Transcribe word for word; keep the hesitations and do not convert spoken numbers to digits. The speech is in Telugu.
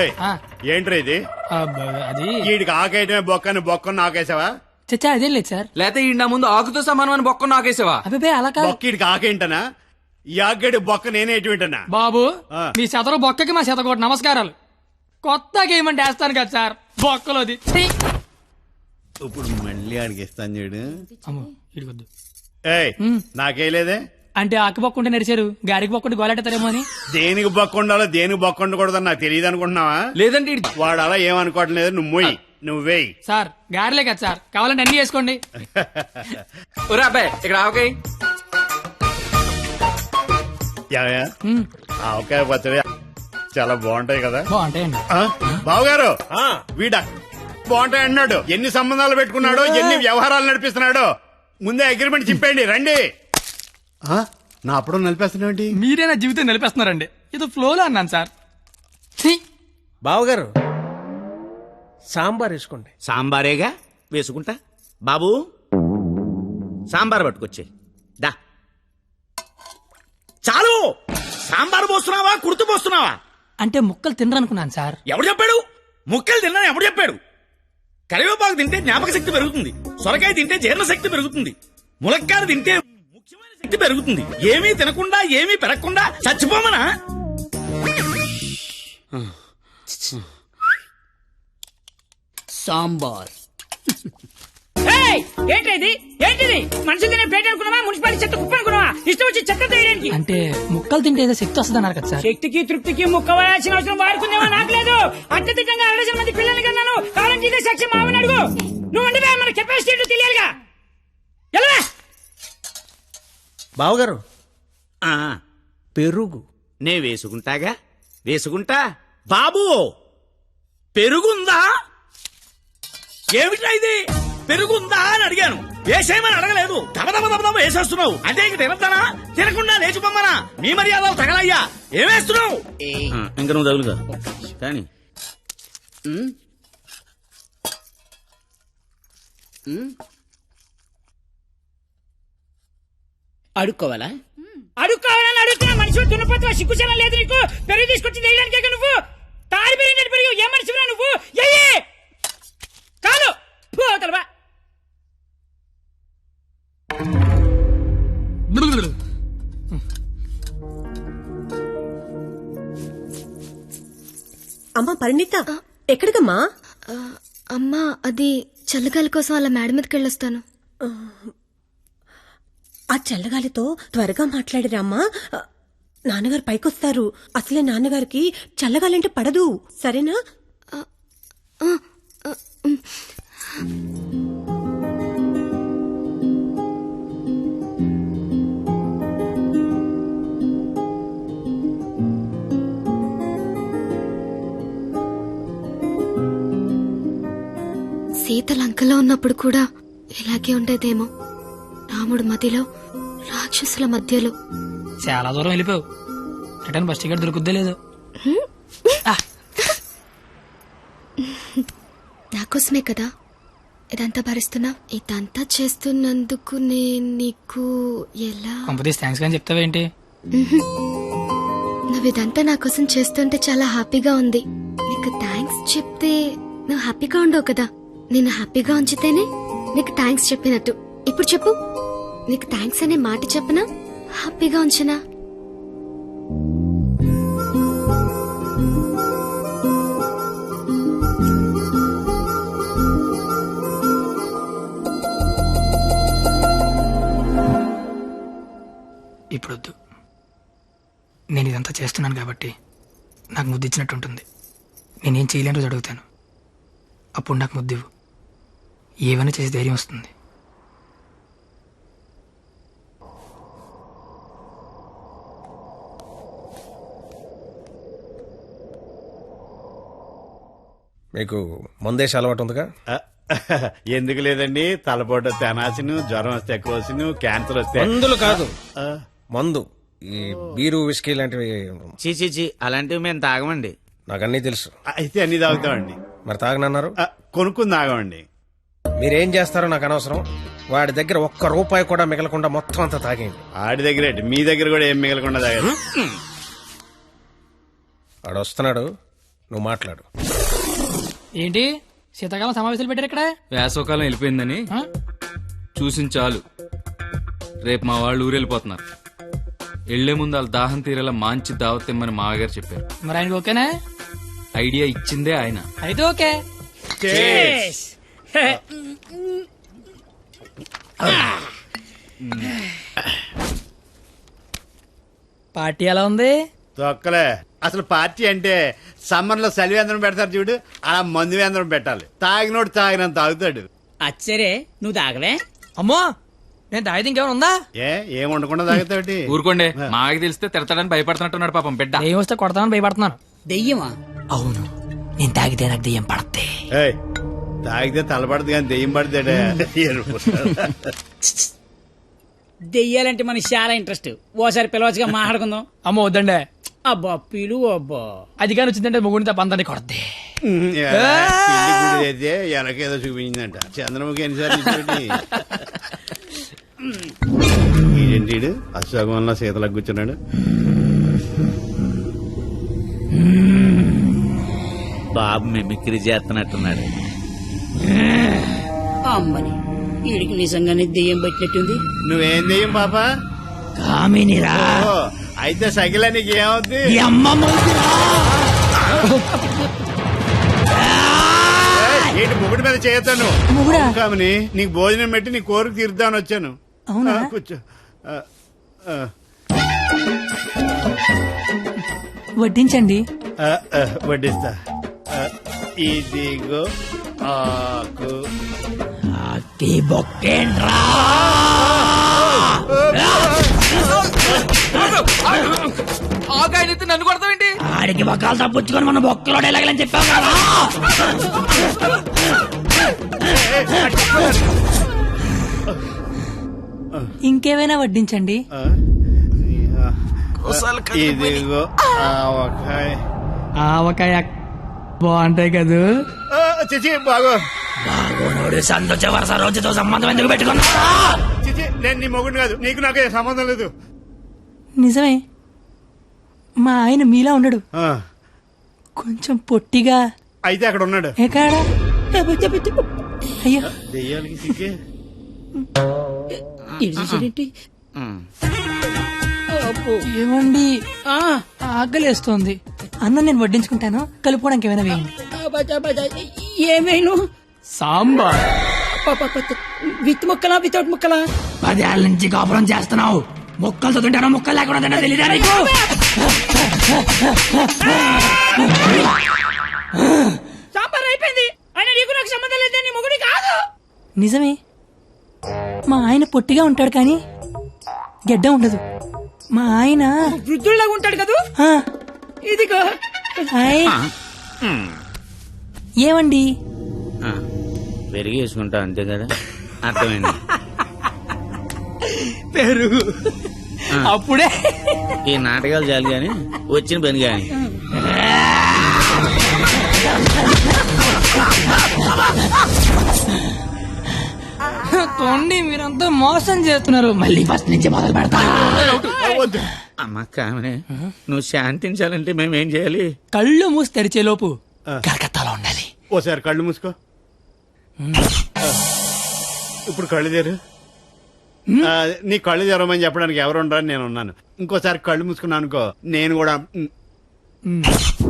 ఏంట్రా ఇది? అది వీడికి ఆకేయటమే బొక్కని బొక్కను నాకేసావా? చచ్చా అదేం లేదు సార్. లేకపోతే ఈ నా ముందు ఆకుతో సమానమైన బొక్క నాకేసావా? అబ్బాయి అలా కాదు. బొక్క వీడికి ఆకేంటనా? ఈ ఆకేడు బొక్క నేనే ఎటు వింటనా? బాబు మీ శతరు బొక్కకి మా శతకోటి నమస్కారాలు. కొత్త గేమ్ అంటే వేస్తాను కదా సార్ బొక్కలోది. ఇప్పుడు మళ్ళీ అడిగిస్తాను చూడు. ఇడికొద్దు. ఏయ్ నాకేలేదే అంటే ఆకి బొక్కుంటే నడిచారు, గారికి బొక్కుంటే గోలెట్టారేమో అని. దేనికి బొక్క ఉండాలో దేనికి బొక్క ఉండకూడదని నాకు తెలియదు అనుకుంటున్నావా? లేదంటే వాడు అలా ఏమనుకోవటం లేదు. నువ్వు మొయ్యి, నువ్వు వేయి. సార్ గారిలే కదా సార్, కావాలంటే అన్ని వేసుకోండి. ఒరే అబ్బాయి ఇక్కడ ఆవకాయ ఆవకాయ పచ్చడి చాలా బాగుంటాయి కదా? బాగుంటాయండి. బావగారు వీడ బాగుంటాయి అన్నాడు. ఎన్ని సంబంధాలు పెట్టుకున్నాడో, ఎన్ని వ్యవహారాలు నడిపిస్తున్నాడో. ముందే అగ్రిమెంట్ చెప్పండి. రండి. నా అప్పుడు నలిపేస్తున్నాండి. మీరే నా జీవితం నిలిపేస్తున్నారండి. ఇది ఫ్లోలో అన్నాను సార్. బావగారు సాంబార్ వేసుకోండి. సాంబారేగా వేసుకుంటా. బాబు సాంబార్ పట్టుకొచ్చే దా. చాలు. సాంబార్ పోస్తున్నావా కుర్తు పోస్తున్నావా? అంటే ముక్కలు తినరనుకున్నాను సార్. ఎవడు చెప్పాడు? ముక్కలు తిన్నా ఎవడు చెప్పాడు? కరివేపాకు తింటే జ్ఞాపక శక్తి పెరుగుతుంది, సొరకాయ తింటే జీర్ణ శక్తి పెరుగుతుంది, ములక్కాయ తింటే ముఖ్యమైన శక్తి పెరుగుతుంది. ఏమీ తినకుండా ఏమీ పెరగకుండా చచ్చిపోమనా? సాంబార్ ఏంటిది? ఏంటిది? మనుషులు తినే ప్లేట్ అనుకున్నావా? మున్సిపాలిటీ చెత్త కుప్ప అనుకున్నావా? ఇష్టం వచ్చి చెత్త తీయడానికి. అంటే ముక్కలు తింటే ఏదో శక్తి వస్తుంది అన్నారు కదా సార్. శక్తికి తృప్తికి ముక్క వేయాల్సిన అవసరం వాడుకుందేమో నాకు లేదు. అత్యధికంగా అరవై మంది పిల్లల్ని కన్నాను. కావాలంటే ఇదే సాక్షి మామని అడుగు. నువ్వు అంటే మన కెపాసిటీ తెలియాలిగా. ఎలా బావగారు ఆ పెరుగు నే వేసుకుంటాగా వేసుకుంటా. బాబు పెరుగుందా? ఏమిటా ఇది? పెరుగుందా అని అడిగాను, వేసేయమని అడగలేదు. దబదబ దబదబ వేసేస్తున్నావు. అంటే ఇక తినద్దానా? తినకుండా లేచిపోమ్మనా? మీ మర్యాదలు తగలయ్యా. ఏమేస్తున్నావు? ఇంకా నువ్వు తగులుగా కానీ అడుక్కోవాలా? అడుక్కోవాలని అడుగుతున్నా. మనిషి దున్నపోతున్నా, సిగ్గుచనం లేదు నీకు. పెరుగు తీసుకొచ్చి తెలియడానికే నువ్వు తాడి పెరిగినట్టు పెరుగు. ఏ మనిషిరా నువ్వు? ఏ కాదు పోతలవా. అమ్మా పరిణిత ఎక్కడికమ్మా? అమ్మా అది చల్లగాలి కోసం అలా మేడ మీదకి వెళ్ళొస్తాను. ఆ చల్లగాలితో త్వరగా మాట్లాడిరామ్మా. నాన్నగారు పైకొస్తారు. అసలే నాన్నగారికి చల్లగాలంటే పడదు. సరేనా? సీత లంకలో ఉన్నప్పుడు కూడా ఇలాగే ఉండేదేమో. రాముడు మధ్యలో, రాక్షసుల మధ్యలో. చాలా దూరం వెళ్ళిపోయావు. రిటర్న్ బస్ టికెట్ దొరుకుద్దే లేదు. నాకోసమే కదా ఇదంతా భరిస్తున్నా. ఇదంతా చేస్తున్నందుకు నేను నీకు ఎలా కంపెనీస్ థ్యాంక్స్ కానీ చెప్తావేంటి? నువ్వు ఇదంతా నా కోసం చేస్తుంటే చాలా హ్యాపీగా ఉంది. నీకు థ్యాంక్స్ చెప్తే నువ్వు హ్యాపీగా ఉండవు కదా. నేను హ్యాపీగా ఉంచితేనే నీకు థ్యాంక్స్ చెప్పినట్టు. ఇప్పుడు చెప్పు, నీకు థ్యాంక్స్ అనే మాట చెప్పనా, హ్యాపీగా ఉంచనా? ఇప్పుడొద్దు. నేను ఇదంతా చేస్తున్నాను కాబట్టి నాకు ముద్దు ఇచ్చినట్టు ఉంటుంది. నేనేం చేయలేని రోజు అడుగుతాను, అప్పుడు నాకు ముద్దివ్వు. ఏమైనా చేసి ధైర్యం వస్తుంది. మీకు మందేసి అలవాటు ఉందిగా? ఎందుకు లేదండి. తలపోట తెనాసిను, జ్వరం వస్తే కోసిను, క్యాన్సర్ వస్తే మందులు కాదు మందు. ఈ బీరు విస్కీ లాంటివి చీచీ అలాంటివి మేము తాగమండి. నాకు అన్నీ తెలుసు. అయితే అన్ని తాగుతామండి. మరి తాగనన్నారు? కొనుక్కుని తాగమండి. మీరేం చేస్తారో నాకు అనవసరం. వాడి దగ్గర ఒక్క రూపాయి కూడా మిగలకుండా మొత్తం అంతా తాగేయండి. ఆడి దగ్గర మీ దగ్గర కూడా ఏం మిగలకుండా తాగారు. వాడు వస్తున్నాడు, నువ్వు మాట్లాడు. ఏంటి శీతాకాలం సమావేశాలు పెట్టారు ఇక్కడ? వేసవకాలం వెళ్ళిపోయిందని ఆ? చూసిన చాలు. రేపు మా వాళ్ళు ఊరెళ్ళిపోతున్నారు. వెళ్లే ముందు వాళ్ళ దాహం తీరేలా మంచి దావత్ ఇమ్మని మామగారు చెప్పారు. మరి ఆయనకి ఓకేనా? ఐడియా ఇచ్చిందే ఆయన. అయితే ఓకే. Cheers. పార్టీ ఎలా ఉంది? తొక్కలే. అసలు పార్టీ అంటే సమ్మర్ లో సలివేంద్రం పెడతారు చూడు, అలా మందు వేంద్రం పెట్టాలి. తాగినోడు తాగినంత తాగుతాడు. అచ్చరే నువ్వు తాగలే? అమ్మో నేను తాగితే ఇంకేమైనా ఉందా? ఏ ఏం ఉండకుండా తాగుతాడు. ఊరుకోండి, మాకు తెలిస్తే తిడతాడని భయపడుతున్నట్టున్నాడు పాపం బిడ్డ. ఏం వస్తే కొడతానని భయపడుతున్నాను. దెయ్యమా? అవును, నేను తాగితే నాకు దెయ్యం పడద్ది. ఏయ్, తాగితే తలపడదు కానీ దెయ్యం పడితేడే. దెయ్యాలంటే మనకి చాలా ఇంట్రెస్ట్. ఓసారి పిలవచ్చుగా మాట్లాడుకుందాం. అమ్మో వద్దండి. అబ్బా పిలు అబ్బా. అది కానీ వచ్చిందంటే ముగ్గురిని తప్ప అందరినీ కొడద్ది. అయితే ఎనకేదో చూపించిందంట. చంద్రముఖి ఎన్నిసార్లు ఏంటి అశోకం వల్ల సీతలకు కూర్చున్నాడు. బాబు మిమిక్రీ చేస్తున్నట్టున్నాడు. అమ్మని వీడికి నిజంగానే దెయ్యం పట్టినట్టుంది. నువ్వేం దెయ్యం పాప? కామినిరా. ఓ, అయితే సగిల నీకు ఏమవుద్ది? ఏంటి ముగుడి మీద చేయొద్దాను కామని. నీకు భోజనం పెట్టి నీ కోరిక తీర్దామని వచ్చాను. అవునా? ఆ, కూర్చో. ఆ, ఆ, వడ్డించండి. ఆ, ఆ, వడ్డిస్తా. ఆ, ఇదిగో ఆకు. ఆగాయనైతే నన్ను కొడతావేంటి? ఆడికి బొక్కలు తప్పించుకొని మన బొక్కలో ఎలాగలని చెప్పావు కదా. ఇంకేమైనా వడ్డించండి. ఆ, ఇదిగో ఆవకాయ. ఆవకాయ బాగుంటాయి కదూ. ఆ, చిచి బాగో. సంతోష వరుస రోజుతో సంబంధం ఎందుకు పెట్టుకున్నా? చిచి నేను నీ మొగుడు కాదు, నీకు నాకు ఏ సంబంధం లేదు. నిజమే, మా ఆయన మీలా ఉండడు, ఆ, కొంచెం పొట్టిగా. అయితే అక్కడ ఉన్నాడు. ఎక్కడ? అయ్యో దెయ్యాలకి సిగ్గే. ఏమండి, ఆకలేస్తోంది. అన్నం నేను వడ్డించుకుంటాను, కలుపుకోవడానికి ఏమైనా వేయండి. ఏమైనా సాంబార్. విత్ ముక్కలా వితౌట్ ముక్కలా? పదేళ్ళ నుంచి కాపురం చేస్తున్నావు, ముక్కలు చదువుంటానో ముక్కలు లేకుండా తెలియదా నీకు? సాంబార్ అయిపోయింది. ఆయన నీకు నాకు సంబంధం లేదని మొగుడి కాదు. నిజమే, మా ఆయన పొట్టిగా ఉంటాడు కానీ గెడ్డ ఉండదు. మా ఆయన వృద్ధుల్లాగా ఉంటాడు కదా. ఆ, ఇదిగో హాయ్. ఏమండి, పెరిగి వేసుకుంటా అంతే కదా. అర్థమైంది. పెరుగు అప్పుడే. ఈ నాటకాలు చాలు గాని వచ్చిన పని గాని. తోండి, మీరంతా మోసం చేస్తున్నారు. మళ్ళీ ఫస్ట్ నుంచి మొదలు పెడతా. అమ్మ కామనే, నువ్వు శాంతించాలంటే మేమేం చేయాలి? కళ్ళు మూసి తెరిచే లోపు కలకత్తాలో ఉండాలి. ఓసారి కళ్ళు మూసుకో. ఇప్పుడు కళ్ళు తెరు. ఆ, నీ కళ్ళు తెరవమని చెప్పడానికి ఎవరు ఉండరని నేను ఉన్నాను. ఇంకోసారి కళ్ళు మూసుకున్నాను అనుకో, నేను కూడా.